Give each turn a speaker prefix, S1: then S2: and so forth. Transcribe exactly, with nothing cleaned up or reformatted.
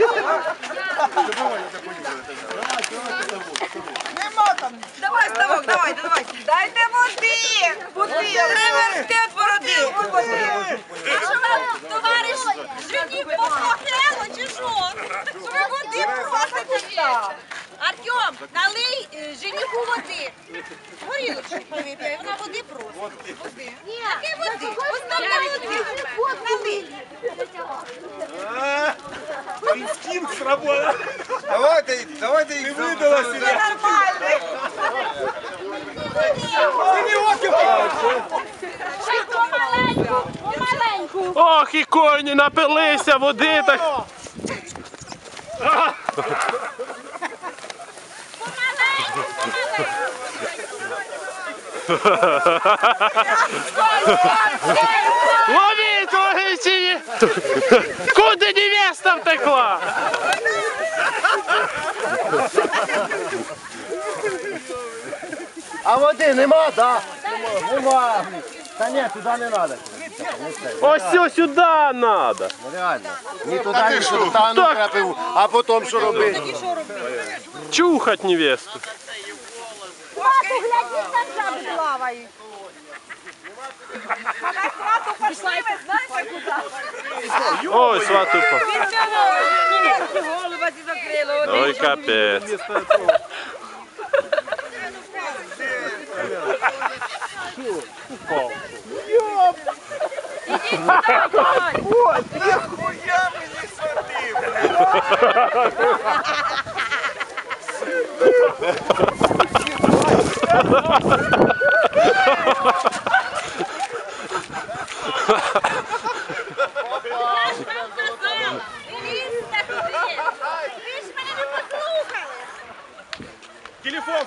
S1: Нема там.
S2: Давай, ставок, давайте, давайте. Дайте води. Води. Реверстет породив. А що вам, товариш, жені похохело чи що? Що ви води просите так? Артем, налий е, жениху води. Горілочку вип'є, вона води просить. Води. Яке води? Ось там на води. Налий.
S3: Инстинкт сработал.
S4: Давайте, давайте їх видала
S2: Це нормально.
S5: Помаленьку, помаленьку.
S6: Ох, і коні напилися води так. Ловіть, ловіть! Куди невеста втекла?
S4: А води нема, так? Нема. Та ні, туди не треба.
S6: Ось ось сюди треба.
S4: Реально. Ні туди, ні сюди, та ну крапиву. А потім що робити?
S6: Чухать невесту.
S5: Мату, глядіть, там жаби плавають.
S2: А на хату пішли, ви знаєте куди?
S6: Ой, сватупа.
S2: Від цього невестки голуба зі закрило.
S6: Ой, капець.
S3: Ой, нахуя мені садив?
S2: Ви ж мене не послухали.
S3: Телефон